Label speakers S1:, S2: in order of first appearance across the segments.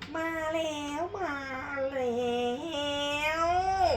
S1: มาแล้วมาแล้ว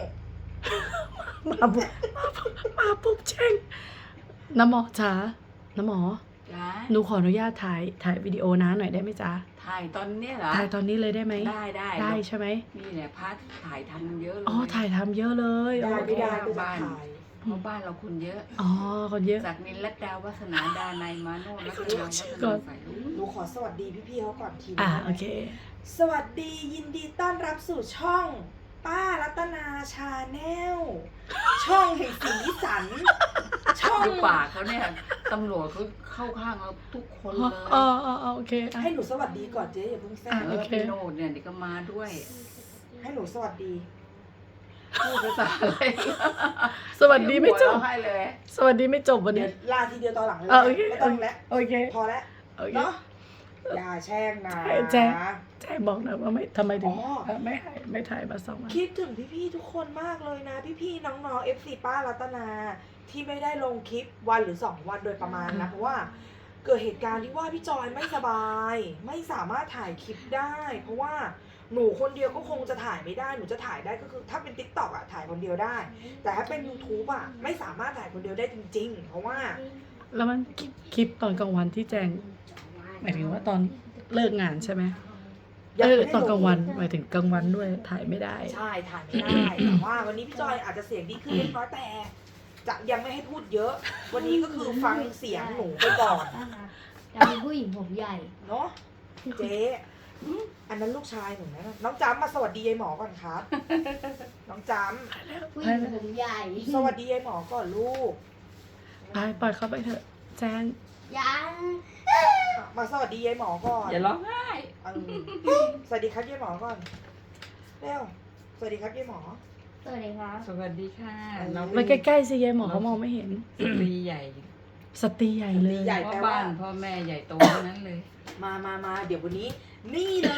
S2: มาปุ๊บแจ้งน้ำหมอจ๋าน้ำหมอ
S3: จ้า
S2: หนูขออนุญาตถ่ายวิดีโอนะหน่อยได้ไหมจ๊ะ
S3: ถ่ายตอนเนี้ยเหรอ
S2: ถ่ายตอนนี้เลยได้ไหม
S3: ได้
S2: ใช่ไหม
S3: นี่แหละพัดถ่ายทำเยอะเลย
S2: อ๋อถ่ายทำเยอะเลย
S1: ได้
S2: โอ
S1: ไม่
S2: เค
S1: ได้ก็จะถ่าย
S3: เพราะบ้านเราคนเยอะ
S2: อ๋อคนเยอะ
S3: จากนินรัตดาวัฒนาดานายมาโนรัตนาวัฒ
S2: ก่
S3: นา
S2: อน
S3: สายลุง
S1: หนูขอสวัสดีพี่ๆเขาก่อนที
S2: โอเค
S1: สวัสดียินดีต้อนรับสู่ช่องป้ารัตนาชาแนลช่องแห่งสีสัน ช่อง
S3: ดูปากเขาเนี่ยตำรวจเขาเข้าข้างเราทุกคนเลย
S2: โอเคอ่ะ
S1: ให้หนูสวัสดีก่อนเจ๊อย่าเพิ่งแซง
S3: เออพี่โนดเนี่ยเดี๋ยวก็มาด้วย
S1: ให้หนูสวัสดี
S3: พูดภาษาอะไร
S2: สวัสดีไม่จบ
S3: หัวเราะให้เลย
S2: สวัสดีไม่จบวัน
S1: เดี๋ย
S2: นี้
S1: วลาทีเดียวตอนหลังเลย
S2: โอเค
S1: ไม่ต้องแล้ว
S2: โอเค
S1: พอแล้ว
S2: โอเค
S1: เนาะอย่าแช่งนะ
S2: แจ้บอกหนะว่าไม่ทำไมถึง
S1: อ๋อ
S2: ไม่ถ่ายมา2 วัน
S1: คิดถึงพี่ๆทุกคนมากเลยนะพี่ๆน้องๆ FC ป้ารัตนาที่ไม่ได้ลงคลิปวันหรือ2 วันโดยประมาณนะเพราะว่าเกิดเหตุการณ์ที่ว่าพี่จอยไม่สบาย ไม่สามารถถ่ายคลิปได้ เพราะว่าหนูคนเดียวก็คงจะถ่ายไม่ได้หนูจะถ่ายได้ก็คือถ้าเป็น TikTok อ่ะถ่ายคนเดียวได้ แต่ถ้าเป็น YouTube อ่ะไม่สามารถถ่ายคนเดียวได้จริงๆ เพราะว่า
S2: แล้วมันคลิปตอนกลางวันที่แจ้งหมายถึงว่าตอนเลิกงานใช่ไหม
S1: ยังไม่ได้
S2: ตอนกลางวัน
S1: ลง
S2: หมายถึงกลางวันด้วยถ่ายไม่ได้
S1: ใช่ถ่ายไม่ได้ แต่ว่าวันนี้พี่จอยอาจจะเสียงดีขึ้นเล็กน้อยแต่จะยังไม่ให้พูดเยอะ วันนี้ก็คือฟังเสียงหนูไปก่อน
S4: จะเป็นผู้หญิงผมใหญ่
S1: เนาะเจ๊อันนั้นลูกชายหนูนะน้องจำมาสวัสดียายหมอก่อนครับ น้องจ
S4: ผู้หญิงผมใหญ่
S1: ำสวัสดียายหมอก่อนลูก
S2: ปล่อยเขาไปเถอะแจ้ง
S4: ยัง
S1: มาสวัสดียายหมอก่อน
S3: อย่าร้องไห้
S1: สวัสดีครับยายหมอก่อนเร็วสวัสดีครับยายหมอ
S4: สวัสดีครับ
S3: สวัสดีค่ะน้อง
S2: ไปใกล้ๆสิยายหมอเขามองไม่เห็น
S3: สตรีใหญ่
S2: สตรีใหญ่เลย
S1: ใหญ่
S3: พ่อ
S1: แปลว่า
S3: บ้านพ่อแม่ใหญ่โตทั้งนั้นเลย
S1: มาเดี๋ยววันนี้ นี่เลย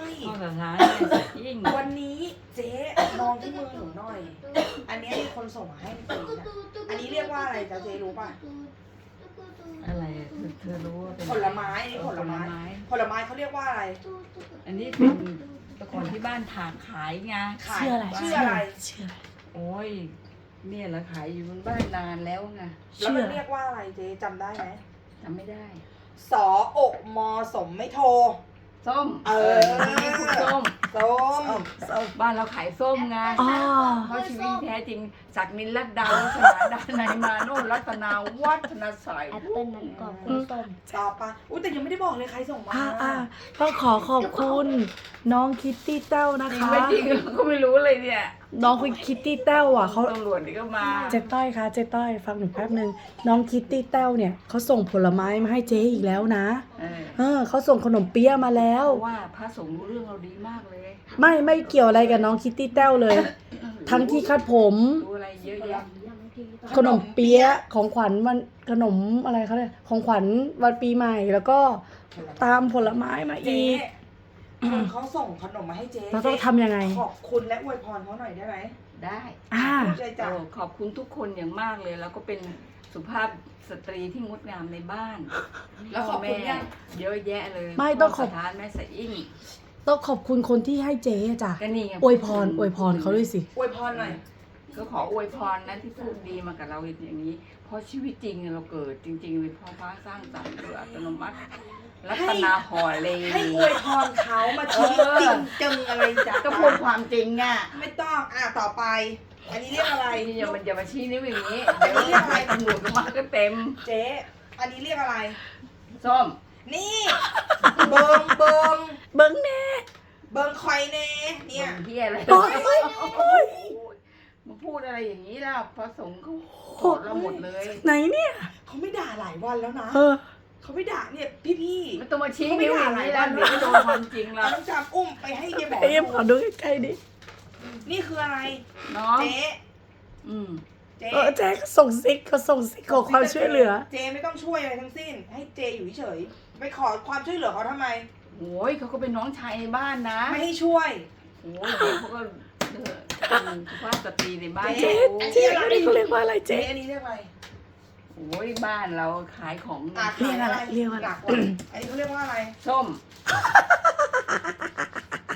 S3: พ่อสถานแม่สายยิ่ง
S1: วันนี้เจ๊มองที่มือหนูหน่อย อันนี้มีคนส่งมาให้จริงๆนะอันนี้เรียกว่าอะไรจ๊ะเจ๊รู้ป่ะ
S3: อะไรอะเธอรู้ว่าเป็น
S1: ผลไม้อันนี้ผลไม้ ผลไม้เขาเรียกว่าอะไร
S3: อันนี้เป็นตะกอนที่บ้านถากขายไง
S1: ขาย
S2: ชื่ออะไร
S1: ชื่ออะไร
S2: ชื่ออะไร
S3: โอ้ยเนี่ยเราขายอยู่บนบ้านนานแล้วไง
S1: แล้วมันเรียกว่าอะไรเจ๊จำได้ไหม
S3: จำไม่ได้
S1: สออกมอสมไม่โทร
S3: ส้ม
S1: เออ
S3: นี่คือส้ม
S1: ส้ม
S3: บ้านเราขายส้มไง
S2: อ๋อ
S3: เพราะชีวิตแท้จริงจากนินรัตดาวัฒนาดานายมาโนรัตนาวัฒนาสาย
S4: แอปเปิ้ลนั้นกรอบกล้วยส้ม
S1: ต่อไปอุ้ยแต่ยังไม่ได้บอกเลยใครส่งมา
S2: ต้องขอบคุณน้องคิตตี้เต้านะ
S3: จริง
S2: คะ
S3: ไม่จริงเราก็ไม่รู้เลยเนี่ย
S2: น้องคุณคิตตี้เต้าอ่ะเขา
S3: ตำรวจนี่ก็มา
S2: เจ๊ต้อยคะเจ๊ต้อยฟังหนูแป๊บนึงน้องคิตตี้เต้าเนี่ยเขาส่งผลไม้มาให้เจ๊อีกแล้วนะ เขาส่งขนมเปี๊ยะมาแล้ว
S3: เพราะว่าพระสงฆ์รู้เรื่องเราดีมากเลย
S2: ไม่เกี่ยวอะไรกับน้องคิตตี้เต้าเลย ทั้งที่คัดผม
S3: รู้อะไรเยอะแยะ
S2: ขนมเปี๊ยะของขวัญวันขนมอะไรเขาเนี่ยของขวัญวันปีใหม่แล้วก็ตามผลไม้มา
S1: เจ๊
S2: อีก
S1: คนเขาส่งขนมมาให้เจ๊
S2: เราต้องทำยังไง
S1: ขอบคุณและอวยพรเขาหน่อยได้ไหม
S3: ได้
S1: พูดใจจ้ะ
S3: โอ้ขอบคุณทุกคนอย่างมากเลย แล้วก็เป็นสุภาพสตรีที่งดงามในบ้าน
S1: แล้วขอบคุณยัง
S3: เยอะแยะเลย
S2: ไม่ต้องขอบ
S3: พ่สถานแม่สายอิ่ง
S2: ต้องขอบคุณคนที่ให้เจ๊จ้ะ
S3: ก็นี่ไง
S2: อวยพรเขาด้วยสิ
S1: อวยพรหน่อย
S3: ก็ขออวยพรนะที่พูดดีมากับเราอย่างนี้ เพราะชีวิตจริงเราเกิดจริงๆเลยพ่อฟ้าสร้างสรรค์โดยอัตโนมัติรัตนาห่อเล
S1: ให้อวยพรเขามาชีวิตจริงจังอะไรจ้ะ
S3: ก็พูดความจริงอ่ะ
S1: ไม่ต้องต่อไป อันนี้เรียกอะไร
S3: อย่ามาชี้นิ้วอย่างนี้
S1: อันนี้เรียกอะไร
S3: ตำรวจก็มาก็เต็ม
S1: เจ๊อันนี้เรียกอะไร
S3: ส้ม
S1: นี่ เบิง
S2: เบิ้งแน่
S1: คอยเน่เนี่ย
S3: เที่ยอะไร
S2: โอ๊ย
S3: มาพูดอะไรอย่างนี้ล่ะพระสงฆ์เขาโกรธเราหมดเลย
S2: ไหนเนี่ย
S1: เขาไม่ด่าหลายวันแล้วนะ
S2: เออ
S1: เขาไม่ด่าเนี่ยพี่
S3: ไม่ต้องมาชี้นิ้วอย่างนี้แล้วเดี๋ยวจะโดนความจริง
S1: ๆ
S3: เรา
S1: เอาน้องจามอุ้มไปให้ยายหมอ
S2: เอ็มขอดูใกล้ๆดิ
S1: นี่คืออะไร
S3: น้อง
S1: เจ๊
S3: อืม
S1: เจ๊
S2: แจ๊เขาส่งซิกขอความช่วยเหลือ
S1: เจ๊ไม่ต้องช่วยอะไรทั้งสิ้น ให้เจอยู่เฉยๆไปขอความช่วยเหลือเขาทำไม
S3: โอ้ยเขาก็เป็นน้องชายในบ้านนะ
S1: ไม่ให้ช่วย
S3: โอ้ยเดี๋ยวเขาก็เป็นสุภาพสตรีในบ้าน
S1: เจ๊
S3: เขา
S2: เจ๊อันนี้เขาเรียกว่าอะไร
S1: เจ๊
S2: เจ๊
S1: อันนี้เรียกอะไร
S3: โอ้ยบ้านเราขายของ
S2: เรียกอะไร
S1: หลักว่าอันนี้เขาเรียกว่าอะไร
S3: ส้ม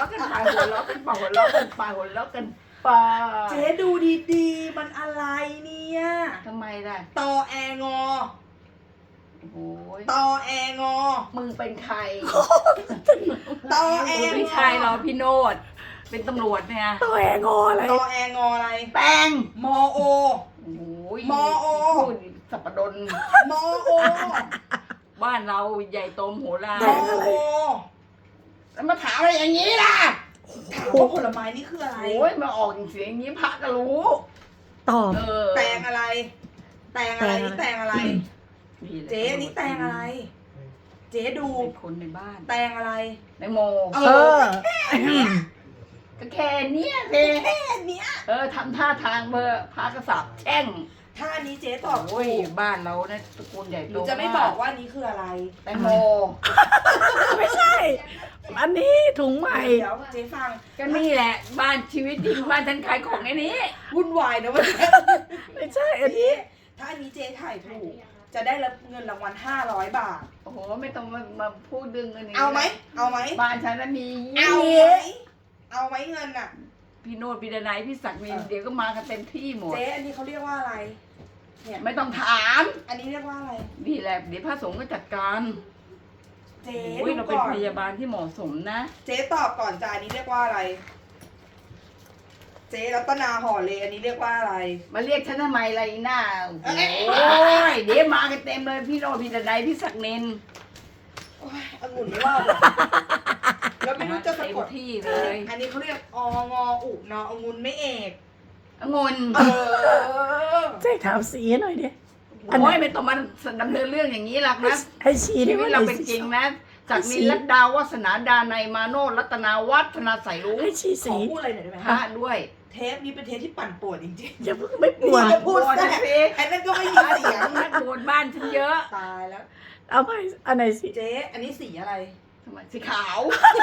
S3: ะกันไปหัวเราะกันไปหัวเราะกันไปหัวเราะกันไป
S1: เจ๊ดูดีๆ มันอะไรเนี่ย
S3: ทำไมล่ะ
S1: ตอแองอ
S3: โอ้ย
S1: ตอแองอ
S3: มึงเป็นใคร
S1: ตอแองอ
S3: ไม่ใช่หรอพี่โนดเป็นตำรวจเนี่ย
S2: ตัวแองออะไร
S1: ตอแองออะไร
S3: แป้ง
S1: มอโอ
S3: โอ้ย
S1: มอโอ
S3: พูดสับปะดน
S1: มอโอ
S3: บ้านเราใหญ่โตมโหฬาร
S1: มอโอ
S3: แล้วมาถามอะไรอย่างนี้ล่ะ
S1: ถามว่าผลไม้นี่คืออะไร
S3: โอ้ยมาออกเสียงอย่างนี้พระก็รู้
S2: ตอบ
S3: เออ
S1: แตงอะไร แตงอะไรนี่แตงอะไร
S3: นี่แหละ
S1: เจ๊อันนี้แตงอะไร เจ๊ดู
S3: เป็นคนในบ้าน
S1: แตงอะไร
S3: ในโม
S1: เอ
S2: เออ
S3: ก็แค่เนี้ยเจ๊
S1: แค่เนี้ย
S3: เออทำท่าทางเบอร์พระกษัตริย์แช่ง
S1: ถ้าอันนี้เจ๊ตอบ
S3: โอ้ย
S1: ถูก
S3: บ้านเราเนี่ยตระกูลใหญ่
S1: ห
S3: โต
S1: นูจะไม่บอกว่าอันนี้คืออะไร
S3: แตงโม
S2: ไม่ใช่ อันนี้ถุงใหม่
S1: เดี๋ยวเจ๊ฟัง
S3: ก็นี่แหละ บ้านชีวิตจริงบ้านฉันขายของไอ้นี้
S1: วุ่นวายนะวันนี้
S2: ไม่ใช่ อันนี้
S1: ถ้าอันนี้เจ๊ถ่ายถูก จะได้รับเงินรางวัล500 บาท
S3: โอ้โหไม่ต้องมาพูดดึงอันนี้
S1: เอาไหม เอาไหม
S3: บ้านฉันน่ะมี
S1: เอาไหมเอาไหมเงินน่ะ
S3: พี่โนดพี่ดนัยพี่ศักดิ์มีเดี๋ยวก็มากันเต็มที่หมด
S1: เจ๊อันนี้เขาเรียกว่าอะไร เนี่ย
S3: ไม่ต้องถาม
S1: อันนี้เรียกว่าอะไร
S3: นี่แหละเดี๋ยวพระสงฆ์ก็จัดการ
S1: เจ๊
S3: โอ้ย
S1: ดู
S3: เราเป็น
S1: ก่อน
S3: พยาบาลที่เหมาะสมนะ
S1: เจ๊ตอบก่อนจ้าอันนี้เรียกว่าอะไร เจ๊รัตนาห่อเลยอันนี้เรียกว่าอะไร
S3: มาเรียกฉันทำไมอะไรหน้าโอ้
S1: เอ้ย
S3: ยเดี๋ยวมากันเต็มเลยพี่โนดพี่ดนัยพี่ศักดิ์นิน
S1: โอ้ยองุ่นไม่ว่าเลยแล้วไม่รู้จะสะกด
S3: เต็มที่เลย
S1: อันนี้เขาเรียกองออุนอองุ่นไม่เอก
S3: องุ่น
S1: เออ
S2: แจ้งถามสีหน่อยดิ อันไหน
S3: โอ้ยไม่ต้องมาดำเนินเรื่องอย่างนี้หรอกนะ
S2: ให้ชี้
S3: ชี
S2: ดิ
S3: วิต
S2: ว่า
S3: เรา
S2: ไหน
S3: เป็น
S2: สี
S3: จริงนะจากนินรัตดาวัฒนาดาในยมาโนรัตนาวัฒนาใสรู้
S2: ให้ชี้
S1: ข
S2: สี
S1: อพูดอะไรหน่อยได้ไหม
S3: พระด้วย
S1: เทปนี้เป็นเทปที่ปั่นป่วนจริง
S2: อย่าเพิ่งไม่
S1: ๆ
S2: ปวด
S1: นี่ก็พูด
S3: ปวด
S1: แท้
S3: สิ
S1: ไอ้นั่นก็ไม่มีเสียง
S3: นักบวชบ้านฉันเยอะ
S1: ตายแล้ว
S2: เอาไปอันไหนสี
S1: เจ๊อันนี้สีอะไร
S3: ทำไมสีขาว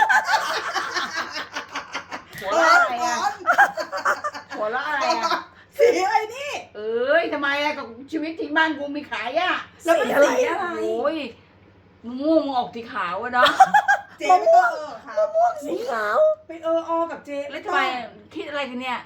S3: หัวเราะอะไรอ่ะหัวเราะอะไรอ่ะ
S1: สีอะไรนี่
S3: เอ้ยทำไมอ่ะกับชีวิตที่บ้านกูมีขายอ่ะ
S1: แล้วมันสีอะไร
S3: โอ้ยม่วงออกสีขาวอะเนาะ
S1: เจ๊ไม่ต้องค่ะ
S2: สีขาว
S1: ไปอกับเจ๊
S3: แล้วทำไมคิดอะไรกันเนี่ย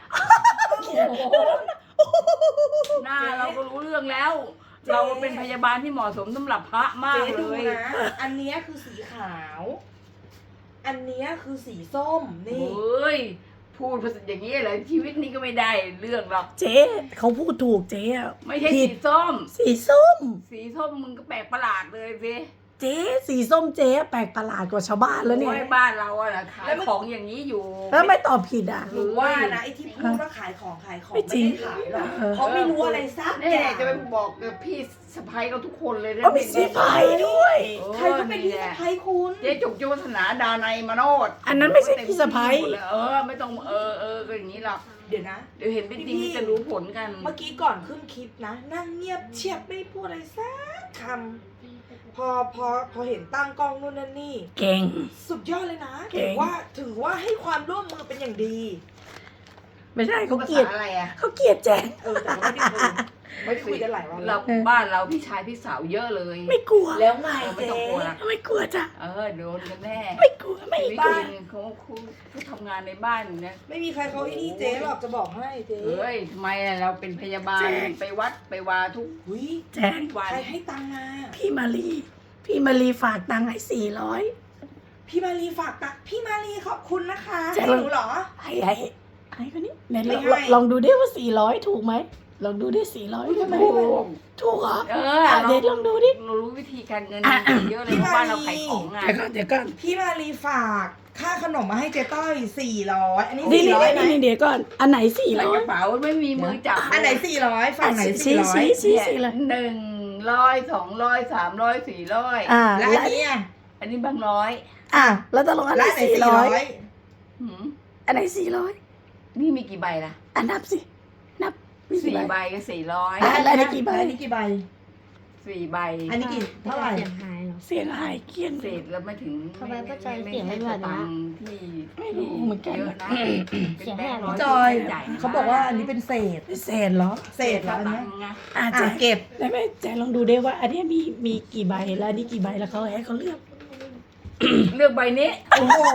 S3: หน้าเราก็รู้เรื่องแล้ว เราเป็นพยาบาลที่เหมาะสมสำหรับพระมาก
S1: เจ๊
S3: เล
S1: ดู
S3: ย
S1: นะ อันเนี้ยคือสีขาว อันเนี้ยคือสีส้ม
S3: เ
S1: นี่
S3: ฮ้ยพูดภาษาอย่างนี้เลยชีวิตนี้ก็ไม่ได้เรื่องหรอก
S2: เจ๊เขาพูดถูกเจ๊อะ
S3: ไม่ใช่
S2: ผิ
S3: สี
S2: ด
S3: ส้ม
S2: สีส้ม
S3: สีส้มมึงก็แปลกประหลาดเลยสิ
S2: เจ๊สีส้มเจ๊แปลกประหลาดกว่าชาวบ้านแล้วเนี่ย
S3: โอ้ยบ้านเราอะนะขายของอย่างนี้อยู่
S2: แล้วไม่ตอบผิดอ่ะ
S1: หรือว่านะไอ้ที่พูดว่าขายของ
S2: ไม่
S1: ไม่
S2: จริง
S1: ได้ขายหรอก
S2: เออ
S1: เพราะไม่รู้อะไรสัก
S3: นี่
S1: อย่าง
S3: จะไปบอกกับพี่สะพ้ายเขาทุกคนเลยนะ
S2: ก็มีสีไฟด้วย
S1: ใครก็เป็นพี่สะพ้ายคุณ
S3: เจ๊จุกจุวัฒนาดาในยมาโนด
S2: อันนั้นไม่ใช่พี่สะพ้าย
S3: เออไม่ต้องก็อย่างนี้หรอก
S1: เดี๋ยวนะ
S3: เดี๋ยวเห็นเป็นจริงจะรู้ผลกัน
S1: เมื่อกี้ก่อนขึ้นคลิปนะ นั่งเงียบเชียบไม่พูดอะไรสักคำพอเห็นตั้งกล้องนู่นนั่นนี่
S2: เก่ง
S1: สุดยอดเลยนะ
S2: เก่
S1: ถือว่าให้ความร่วมมือเป็นอย่างดี
S2: ไม่ใช่เขา
S3: ภา
S2: เกลียด
S3: ษาอะไรอ่ะ
S2: เขาเกลียดแจ้ง
S1: แต่ก็ไม่ได้คุยกันหลายวัน
S3: เรา
S1: แล้ว
S3: บ้านเราพี่ชายพี่สาวเยอะเลย
S2: ไม่กลัว
S1: แล้วไง
S3: ไม่
S1: เจ๊
S3: ต้องกลัวละ
S2: ไม่กลัวจ้ะ
S3: โดนกันแน่
S2: ไม่กลัวไม่
S3: ชีวิต
S1: บ้า
S3: จ
S1: น
S3: ริงเขาทำงานในบ้านเนี่ย
S1: ไม่มีใครเขาที่นี่เจ๊หรอกจะบอกให้เจ๊
S3: เฮ้ยทำไมอะเราเป็นพยาบาลไปวัดไปวาทุก
S1: หุย
S2: แจ้ง
S3: วัน
S1: ใครให้ตังค์มา
S2: พี่มารีฝากตังค์ให้400
S1: พี่มารีฝากตังค์พี่มารีขอบคุณนะคะ
S2: เจ๊
S1: ให้หนูเหรอ
S2: ให้คนนี้ไหน
S1: ไม่
S2: ลอง
S1: ให้
S2: ลองดูดิว่า400ถูกไหมลองดูดิ400
S1: ทำไม
S2: ถูกเหรอ
S3: เรา
S2: เดี๋ยวลองดูดิ
S3: เรารู้วิธีการเงินเยอะเลยเพราะบ้านเราขายของไง
S2: เดี๋ยวก่อน
S1: พี่มารีฝากค่าขนมมาให้เจ๊ต้อย400อันนี้
S2: นี่
S1: 400ไหม
S2: เดี๋ยวก่อนอันไหน
S3: ใส่กระ
S2: 400
S3: เป๋าไม่มีมือจับ
S1: อันไหน400ฝั่งไหน
S2: ชี้
S1: 400
S2: ชี้
S3: เนี่ย100 200 300 400
S1: แล้วอันนี้อ่ะ
S3: อันนี้บางร้อย
S2: แล้วตกลงอันไหน
S1: แล้วอันไหน
S2: 400
S3: หืม
S2: อันไหน400
S3: นี่มีกี่ใบล่ะ
S2: นับสินับมี
S3: สี่
S2: กี่
S3: ใบ
S2: ใบ
S3: ก็400
S2: แล้วอันนี้กี่ใบ
S1: แล้วอันนี้กี่ใบ
S3: 4 ใบ
S1: อันนี้กี่เท่าไหร่
S4: เสียงหายเหรอ
S2: เสียงหายเกลี้ยง
S3: เศษแล้วไม่ถึง
S4: ทำไมป้าจอย
S3: ไม่
S4: เสียงไม่
S3: ใช่
S4: แบบ
S3: ตั
S4: นี้
S3: งค์ที่
S2: ไม่รู้เหมือนกัน
S3: เยอะนะ
S4: เสียงแหบ
S3: ป็นแบงค์ร้
S1: จอย
S3: ใหญ่ๆ
S1: เขาบอกว่าอันนี้เป็นเศษ
S2: เศษเหรอ
S1: เศษเหรออัน
S3: ตั
S1: เนี้ย
S3: งค์ไง
S2: แจ้
S1: เก็บ
S2: ได้ไหมแจ้ลองดูได้ว่า อันเนี้ยมีกี่ใบแล้วอันนี้กี่ใบแล้วเขาให้เขาเลือก
S3: เลือกใบนี้
S1: โอ้โห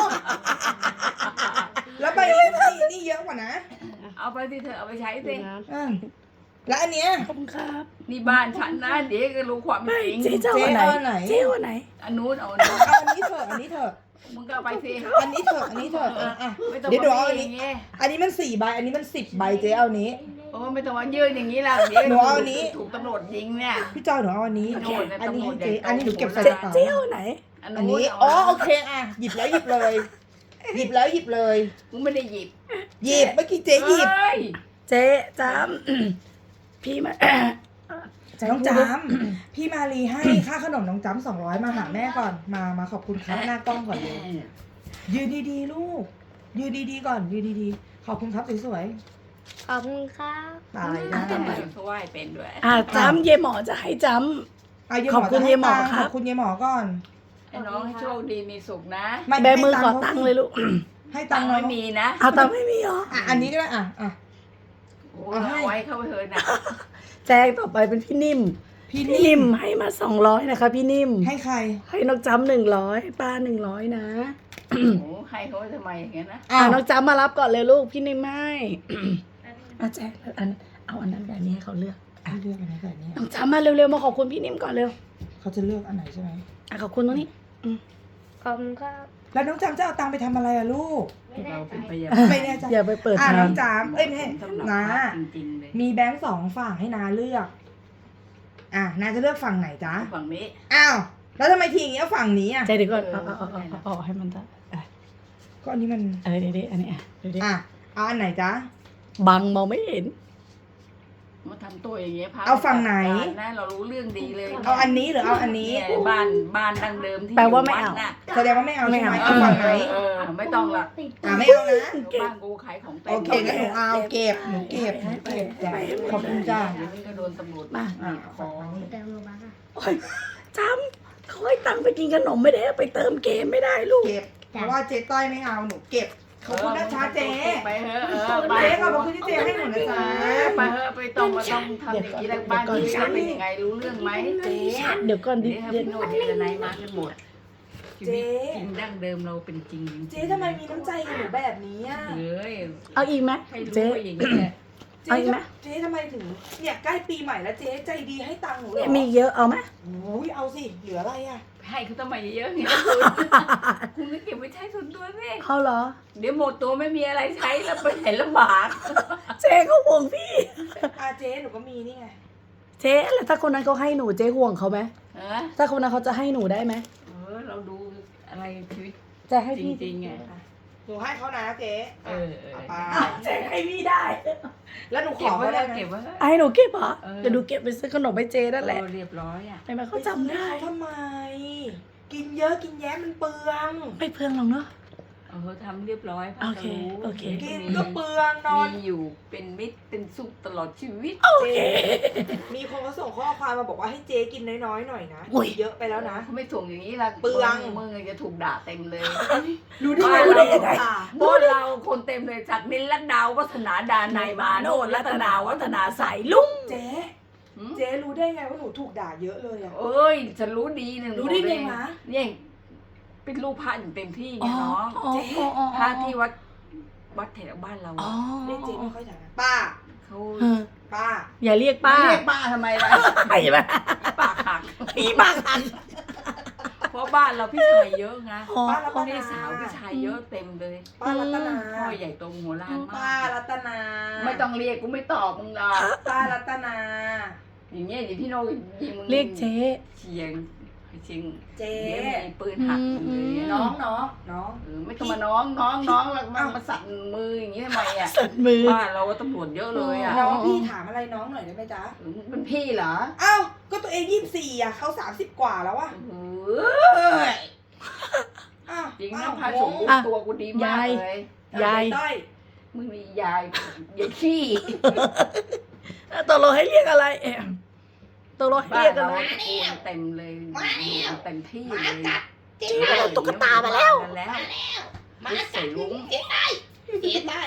S1: แล้วใบนี้นี่เยอะกว่านะ
S3: เอาไปสิเธอเอาไปใช้สิ
S1: อืมแล้วอันเนี้ย
S2: ขอบคุณครับ
S3: นี่บ้านฉันนะเดี๋ยวก็รู้ความจริง
S2: เจ๊เจ้าอันไหน
S1: เจ๊เอาอันไหน
S2: เจ๊เอาอันไหน
S3: อันนู้นเอาอันนู้น
S1: เอาอันนี้เถอะ อันนี้เถอะ
S3: มึงก็เอาไปสิ
S1: อันนี้เถอะ อันนี้เถอะอ่ะ
S3: ไม่ต้อง
S1: เดี๋ยวดูเอา
S3: มา
S1: อัน
S3: อ
S1: นี้
S3: ย่างเงี้ย
S1: อันนี้มัน4 ใบ อันนี้มัน10 ใบเจ๊เอาอันนี้
S3: โอ้ไม่ต้องมายืนอย่างนี้ล่ะเดี๋ยว
S1: หนูเอาอันนี้
S3: ถูกตำรวจยิงเนี่ย
S1: พี่จอยหนูเอาอันนี้
S3: โน่นนะ
S1: อันนี้ให้
S3: ตำรวจ
S1: เจ๊
S3: ใหญ่โต
S1: อันนี้หนูเก็บใส่
S2: เจ๊
S1: กระเป๋า
S2: เจ๊เอาอันไหน
S3: อัน
S1: อัน
S3: นู้น
S1: นี้
S3: เา
S1: อ๋อโอเคอ่ะ หยิบแล้วหยิบเลย หยิบแล้วหยิบเลย
S3: กูไม่ได้หยิบ
S1: หยิบ เมื่อกี้เจ๊หยิบ
S3: เอ้ย
S2: เจ๊จำ พี่มา
S1: น้องจำพี่มารีให้ค่าขนมน้องจำ200มาหาแม่ก่อน มาขอบคุณครับหน้ากล้องก่อนเลย ยืนดีๆลูก ยืนดีๆก่อน ยืนดีๆ ขอบคุณครับสวย
S4: ขอบคุณครับ
S1: ๆ ตายได้
S3: เขาไหว้เป็นด้วย
S2: จำเย่หมอจะให้จ
S1: ะยาย
S2: ขอบคุณ
S1: จะให้
S2: ยายหมอ
S1: ตัง
S2: ครับ
S1: ขอบคุณยายหมอก่อน
S3: ไอ้น้องให้โชคดีมีสุขนะ
S1: ไม่
S2: ำแบมือขอตังค์เลยลูก
S1: ให้ตั
S3: ตั
S1: ง
S3: ง
S1: ค์
S3: ค์
S1: น้อ
S3: ไม่
S1: ง
S3: มีนะ
S2: เอาตังค์ไม่มีเหรอ
S1: อ่ะอันนี้ก็ได้อ่ะ
S3: โอ้เอาไว้เข้าไปเถอะนะ
S2: แจ้งต่อไปเป็นพี่นิ่ม
S1: พี่
S2: พี่
S1: นิ่
S2: นิ่
S1: ม
S2: มให้มา200นะคะ พี่นิ่ม
S1: ให้ใคร
S2: ให้น้องจำ100ป้า100นะ
S3: โอ้ให้เขาไว้ทำไมอย่างเงี้ยนะ
S2: น้องจำมารับก่อนเลยลูกพี่นิ่มให้แจ้งเอาอันนั้นแบบนี้ให้เขาเลือก
S1: เลือกอันไหนแบบนี้
S2: น้องจำมาเร็วๆมาขอบคุณพี่นิ่มก่อนเร็ว
S1: เขาจะเลือกอันไหนใช่ไหม
S2: ขอบคุณตรงนี้
S4: ขอบคุณครับ
S1: แล้วน้องจำจะเอาตังค์ไปทำอะไรอะลูก
S3: เราเป็นพยา
S1: ไม่แน่ใจ
S2: อย่าไปเปิด
S1: อ่ะ
S2: ทา
S1: น้อง งจำเอ้ยไม่ใช่
S3: สำหรับ
S1: นา
S3: จริงๆเลย
S1: มีแบงค์2ฝั่งให้นาเลือก นาจะเลือกฝั่งไหนจ๊ะ
S3: ฝั่งนี้
S1: อ้าว แล้วทำไมทีอย่างเงี้ยฝั่งนี้อ่ะ
S2: ใจเดี๋ยวก่อนเอาให้มันได้
S1: ก็อันนี้มัน
S2: เดี๋ยวอันนี้เดี๋ยว
S1: อ่ะ เอาอันไหนจ๊ะ
S2: บังมองไม่เห็น
S3: มาทำตัวอย่างเงี้ยพระ
S1: เอาฝั่งไหน
S3: นะเรารู้เรื่องดีเลย
S1: เอาอันนี้หรือเอาอันนี้
S3: เนี่ยบ้านดังเดิมที่
S2: แปลว่าไม่เอา
S3: ยู่วัดน่ะ
S1: แสดงว่าไม่เอาใช่ไหม
S2: ไม่
S1: เอา
S2: เอา
S1: ฝั่งไหน
S3: ไม่ต้องละ
S1: ไม่เอานะ
S3: บ้านกูขายของเต็ม
S1: โอเคงั้นหนูเอาเก็บหนูเก็บจ้ะขอบคุณจ้า
S3: เดี๋ยวมันก็โดนตำรวจ
S2: มา
S3: ขอ
S4: เติมโลบัคอะ
S2: โอ้ยจำเขาให้ตังค์ไปกินขนมไม่ได้เอาไปเติมเกมไม่ได้ลูก
S1: เก็บ เพราะว่าเจ๊ต้อยไม่เอาหนูเก็บ ขอบคุณนะคะเจ๊
S3: ไปเถอะไป
S1: เจ๊ขอบคุณที่เจ๊ให้หนูนะจ๊ะ
S3: ไปเถอะไปต้องมาต้องทำอย่างนี้แล้วบ้านที่จะเป็นยังไงรู้เรื่องไหมเจ๊
S2: เดี๋ยวก่อนดิ
S3: เดี๋ยวถ้าพี่โนดเดี๋ยวไหนมากันหมดชีวิต
S1: เจ๊
S3: จริงดั้งเดิมเราเป็นจริง
S1: เจ๊ทำไมมีน้ำใจกับหนูแบบนี้อ่ะ
S3: เฮ้ย
S2: เอาอีกไหม
S3: ให้รู้
S2: เจ๊
S3: ว่าอย่างนี้แหละ
S1: เจ๊
S2: เอาอีกไหม
S1: เจ๊ทำไมถึงเนี่ยใกล้ปีใหม่แล้วเจ๊ใจดีให้ตังค์หนูเหรอ
S2: มีเยอะเอาไหม
S1: โอ้ยเอาสิเหลืออะไรอ่ะ
S3: ให้เขาทำไมเยอะๆเนี่ยคุณก็เก็บไว้ใช้ส่วนตัวสิ
S2: เอาเหรอ
S3: เดี๋ยวหมดตัวไม่มีอะไรใช้แล้วไปไหนลำบาก
S2: เจ๊เขาห่วงพี่
S1: เจ๊หนูก็มีนี่ไง
S2: เจ๊แล้วถ้าคนนั้นเขาให้หนูเจ๊ห่วงเขาไหม
S3: เออ
S2: ถ้าคนนั้นเขาจะให้หนูได้ไหม
S3: เราดูอะไรชีวิต
S2: จะให้
S3: จ
S2: พี่
S3: ริงๆไง
S1: หนูให้เขานะเจ๊
S3: เออ
S1: เอาไป
S2: เจ๊ให้พี่ได้
S1: แล้วหนูข
S3: เก็
S1: อบ
S3: ไว้
S1: เขา
S3: แล้
S1: ได้
S3: ว
S1: ไหม
S3: เก็บไว้
S2: ให้หนูเก็บเหรอ
S3: เออ
S2: เดี๋ยวหนูเก็บไปซื้อขนมให้เจ๊นั่นแหละ
S3: เรียบร้อยอ่ะ
S2: ทำไมเขาจำได้
S1: เขาทำไม กินเยอะกินแย้มันเปลือง
S2: ไม่เพื่องหรอกเนาะ
S3: ทำเรียบร้อยพ่อ
S2: โอเค
S3: จะรู้
S2: โอเค
S1: กินก็เปลืองนอน
S3: มีอยู่เป็นมิตรเป็นสุขตลอดชีวิต
S2: โอเค
S1: มีคนเขาส่งข้อความมาบอกว่าให้เจ๊กินน้อยๆหน่อยนะ
S2: อุ้ย
S1: เยอะไปแล้วนะ
S3: เขาไม่ส่งอย่างนี้ละ
S1: เปลือง
S3: มึงจะถูกด่าเต็มเลย
S1: รู้ได้ไง
S3: บ้าน
S1: รู้
S3: เรา
S1: ได้ยังไง
S3: บ้านเราคนเต็มเลยจากนินลัดดาววัฒนาดานายมาโนนรัตนาวัฒนาสายลุง
S1: เจ๊เจ๊รู้ได้ไงว่าหนูถูกด่าเยอะเลยอ่ะ
S3: เอ้ยฉันรู้ดีหนึ่ง
S1: รู้ได้ไงวะ
S3: เนี่ยเป็นลูกพระอย่างเต็มที่ไง
S2: อ๋อ
S3: น้อง
S2: อ๋ออ๋อ
S3: พระที่วัดแถวบ้านเรา
S2: อ๋อ
S1: เรียกเจ๊ไม่ค่อยด่านะป้า
S3: เขา
S2: เออ
S1: ป้า
S2: อย่าเรียกป้า
S3: เรียกป้าทำไมล่ะ
S2: ไอ้บ้า
S3: ปากหัก
S2: ผีปากหัก
S3: เพราะบ้านเราพี่ชายเยอะไง
S2: อ๋อ
S1: ป้ารัต
S3: พี่
S1: นา
S3: สาวพี่ชายเยอะเต็มเลย
S1: ป้ารัตนา
S3: พ่อใหญ่โตมโหฬารมา
S1: ป้าก รัตนา
S3: ไม่ต้องเรียกกูไม่ตอบมึงหรอก
S1: ป้ารัตนา
S3: อย่างเงี้ยเดี๋ยวพี่โนยิงมึง
S2: เรียกเจ๊
S3: เชียงเชียง
S1: เจ๊
S3: เดี๋ยวมีปืนหักมึงเลย
S1: น้องน้องน้อง
S3: ไม่ต้องมาน้องแล้วมาสั่นมืออย่างนี้ทำไมอ่ะ
S2: สัตว์มือ
S3: บ้านเราตำรวจเยอะเลยอ่ะ
S1: น้องพี่ถามอะไรน้องหน่อยได้ไหมจ๊ะ
S3: มึงเป็นพี่เหรอ
S1: อ้าวก็ตัวเอง24อ่ะเขา30 กว่าแล้วอ่ะ
S3: เออ
S1: อ้าว
S3: จริงนะ
S1: อ้าว
S3: พาสมบูร
S2: อ่ะ
S3: ณ์ตัวกูดีมากเลย
S2: ยาย
S1: ต้อย
S3: มึงมียายขี้
S2: ตกลงให้เรียกอะไรตกลงให้
S3: บ้า
S2: เรีย
S3: น
S2: กอะ
S3: เรา
S2: ไร
S3: ตะโกนเต็มเลยเต็มที่เลย
S2: เจ๊มาเอาตุ๊กตามาแล้ว
S3: มาใส่ลุง
S1: เจ๊ได้เจ๊ได้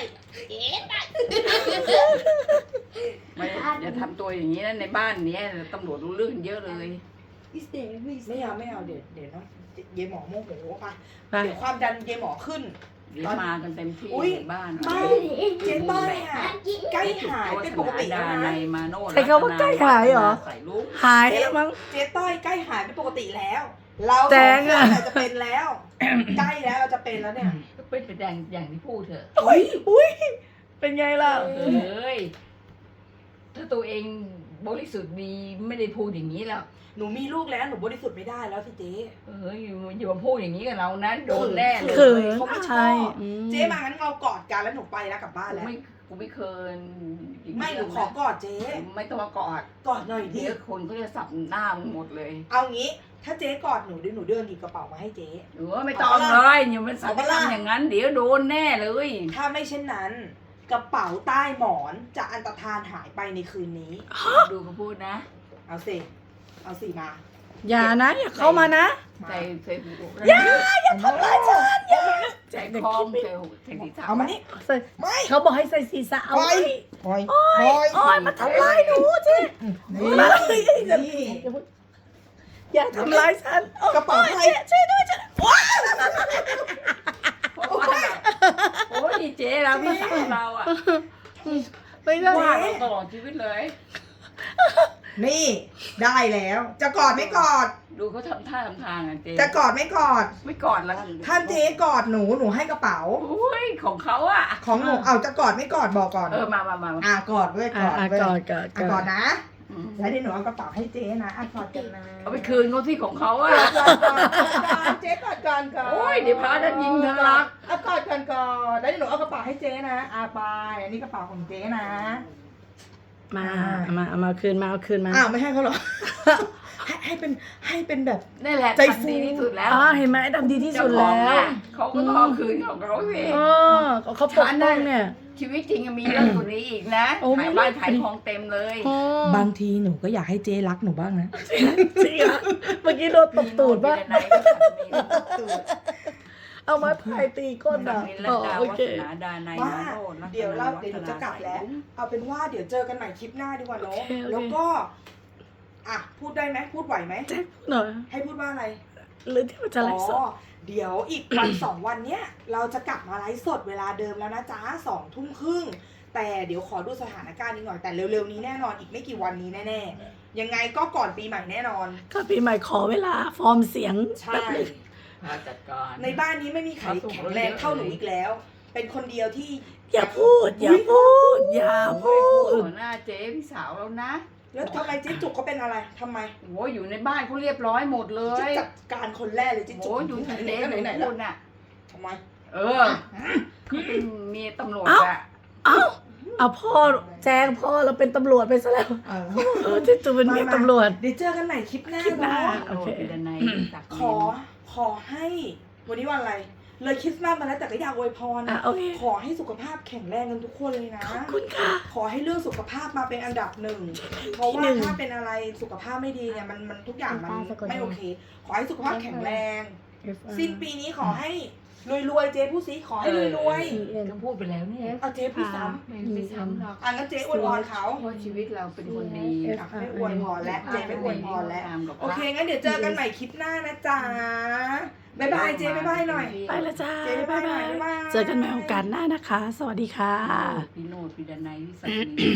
S3: ไม่อย่าทำตัวอย่างนี้นะในบ้านเนี้ยตำรวจรู้เรื่องเยอะเลย
S1: ไม่เอาเดี๋ยวน้องเยหมอโมโหไป
S2: ไป
S1: เดี๋ยวความดันเยหมอขึ้น
S3: เดี๋ยวมากันเต็มที่
S1: อุ๊ย
S3: ในบ้าน
S1: ไม่เจ๊ต้อยอ่ะใกล้หายเป็นปกติแล้ว
S3: ใน
S1: นะ
S3: มาโน
S2: ใช้คำว่าใกล้หายเหรอ
S3: ใส่ลูก
S2: หายแล้วมั้ง
S1: เจ๊ต้อยใกล้หายเป็นปกติแล้ว เรา
S2: แจ
S1: สอง งค
S2: อะ
S1: นจะเป็นแล้ว ใกล้แล้วเราจะเป็นแล้วเนี่ย
S3: ก็เป็นไปแดงอย่างที่พูดเถอะ
S2: อุ้ยเป็นไงล่ะ
S3: เอ้ยถ้าตัวเองบริสุทธิ์ดีไม่ได้พูดอย่างนี้แล้ว
S1: หนูมีลูกแล้วหนูบริสุทธิ์ไม่ได้แล้วสิเจ๊
S3: อย่ามาพูดอย่างนี้กับเรานะโดนแน่เล
S2: เขิ
S3: ย
S2: น
S1: เขาไม่ช
S2: ใช่
S1: อบ
S2: อืม
S1: เจ๊มางั้นเรากอดกันแล้วหนูไปแล้วกลับบ้านแล้ว
S3: กูไม่เคย
S1: ไม่หนูขอกอดเจ๊
S3: ไม่ต้องมากอด
S1: กอดหน่อยดิ
S3: เดี๋ยวคนเขาจะสับหน้ามึงหมดเลย
S1: เอางี้ ถ้าเจ๊กอดหนูเดี๋ยวหนูเดินหยิบกระเป๋ามาให้เจ๊
S3: หรือว่าไม่ต้องเลยอย่ามันสับ
S1: เอาปะล่ะ
S3: ทำอย่างนั้น เดี๋ยวโดนแน่เลย
S1: ถ้าไม่เช่นนั้น กระเป๋าใต้หมอนจะอันตรธานหายไปในคืนนี้
S3: ดูเขาพูดนะ
S1: เอาสิมา
S2: อย่านะ อย่าเข้ามานะ
S3: ใส่เฟซบุ๊ก
S2: อย่าทำร้ายฉันอย่า
S3: ใส่คอมใส่ศีรษะ
S1: เอามานี่
S2: ใส่
S1: ไม่
S2: เขาบอกให้ใส่ศีรษะเอาไว้
S1: ปล่อย
S2: โอ้ยมาทำร้ายหนูเจ๊
S1: นี่
S2: มาเลย
S1: นี่
S2: อย่าทำร้ายฉัน
S1: กระเป๋าใคร
S2: ช่วยด้วยฉันว้า
S3: เพราะว่าแบบโอ้ยเจ๊เราภาษาเราอ่ะ
S2: ไม่ได้
S3: ว่าเราตลอดชีวิตเลย
S1: นี่ได้แล้ว จะกอดไม่กอด
S3: ดูเขาทำท่าทำทางอ่ะเจ๊
S1: จะกอดไม่กอด
S3: ไม่กอดแล้ว
S1: ถ้าเจ๊กอดหนูให้กระเป๋า
S3: โอ้ยของเขาอ่ะ
S1: ของหนูเอาจะกอดไม่กอดบอกก่อน
S3: มา
S1: กอดเว้ยกอดเว้ย
S2: กอดกอด
S1: กอดนะ แล้วเดี๋ยวหนูเอากระเป๋าให้เจ๊นะกอดกันนะ
S3: เอาไปคืนเขาที่ของเขาอ่ะ
S1: เจ๊กอดก่อนก่อน
S3: โอ้ยเดี๋ยวพระจะยิงทะลัก
S1: เอากอดก่อนก่อนแล้วเดี๋ยวหนูเอากระเป๋าให้เจ๊นะไปอันนี้กระเป๋าของเจ๊นะ
S2: มาคืนมาเอาคืนมา
S1: อ้าวไม่ให้เขาหรอ ให้เป็นแบบ
S3: นี่แหละ
S1: ใจฟู
S3: ทำดีที่สุดแล้ว
S2: เห็นไหมดำดีที่สุดแล้ว
S3: เขาก็ต้องเอาคืนของเขาสิ
S2: เขาปกป้องเนี่ย
S3: ชีวิตจริงมีเรื่องกว่านี้อีกนะ
S2: โอ้ไม่
S3: ขายบ้านขายทองเต็มเลย
S1: บางทีหนูก็อยากให้เจ๊รักหนูบ้างนะ
S2: จริงอ่ะเมื่อกี้โดนตบตูดป่ะ
S3: มีโน่นมีอะไรก็ทำมี
S2: เอาไม้พายตีก้นอ่ะ
S3: มีรัตดา
S2: โอ
S3: วั
S2: เค
S3: ฒนาดานัย
S1: ว่า
S3: มาโนรัตนา
S1: เดี๋ยวหนูจะกลับแล้ว เอาเป็นว่าเดี๋ยวเจอกันใหม่คลิปหน้าดีกว่าเนาะ
S2: โอเค
S1: แล้วก็อ่ะพูดได้ไหมพูดไหวไหม
S2: แจ็คพูดหน่อย
S1: ให้พูดว่าอะไร
S2: หรือที่มันจะไลฟ์สด
S1: เดี๋ยวอีกวัน 2 วันเนี้ยเราจะกลับมาไลฟ์สดเวลาเดิมแล้วนะจ๊ะ20:30แต่เดี๋ยวขอดูสถานการณ์นิดหน่อยแต่เร็วๆนี้แน่นอนอีกไม่กี่วันนี้แน่ๆยังไงก็ก่อนปีใหม่แน่นอน
S2: ก็ปีใหม่ขอเวลาฟอร์มเสียง
S1: ใช่
S3: มาจัดการ
S1: ในบ้านนี้ไม่มีใครแข็งแรงเท่าหนูอีกแล้ว เป็นคนเดียวที่
S2: อย่าพูด อย่าพูด อย่าพูด
S3: หัวหน้าเจ๊พี่สาวแล้วนะ
S1: แล้วทำไมเจ๊จุกเขาเป็นอะไรทำไม
S3: โอ้ยอยู่ในบ้านเขาเรียบร้อยหมดเล
S1: จะ
S3: ย
S1: จัดการคนแรกเลยเจ๊จุก
S3: โอ้ยอยู่ที่เจ๊
S1: ไหน
S3: หนู
S1: ไหน
S3: พูดน่ะ
S1: ทำไม
S3: เออเขาเป็นเมียตำรวจอะ
S2: เอาพ่อแจ้งพ่อเราเป็นตำรวจไปซะแล้ว เจ๊จูเป็นเมียตำรวจ
S1: เดี๋ยวเจอกันใหม่คลิปหน้า
S2: คลิปหน้า
S1: เนาะ
S3: โอเคดนายศักดิ์
S1: ขอให้วันนี้วันอะไร เลยคริสต์มาสมาแล้วแต่ก็อยากอวยพร
S2: โอเค
S1: ขอให้สุขภาพแข็งแรงกันทุกคนเลยนะ
S2: ขอบคุณค่ะ
S1: ขอให้เรื่องสุขภาพมาเป็นอันดับหนึ่ง เพราะว่า
S2: ที่หนึ่ง
S1: ถ้าเป็นอะไรสุขภาพไม่ดีเนี่ยมันทุกอย่างมันไม่โอเค ขอให้สุขภาพแข็งแรง สิ้นปีนี้ขอให้รวยๆเจ๊ผู้ซีขอให้รวย
S3: ก็พูดไปแล้วเนี่ย
S1: ๆเอาเจ๊ผู้ซ้
S3: ไม่ซ้ำหรอก
S1: ำงั้นเจ๊อวยพรเขา
S3: เพราะชีวิตเราเป็นคนดี
S1: อ่ะไม่อวยพรแล้วเจ๊ไม่อวยพรแล้ว
S3: ตามกับ
S1: โอเคงั้นเดี๋ยวเจอกันใหม่คลิปหน้านะจ๊ะบ๊ายบายเจ๊บ๊ายบายหน่อย
S2: ไปแล้วจ้า
S1: เจ๊บ๊ายบายหน่อยบ๊ายบาย
S2: เจอกันใหม่โอกาสหน้านะคะ สวัสดีค่ะ
S3: พี่โนดพี่ดนายพี่สักดิ์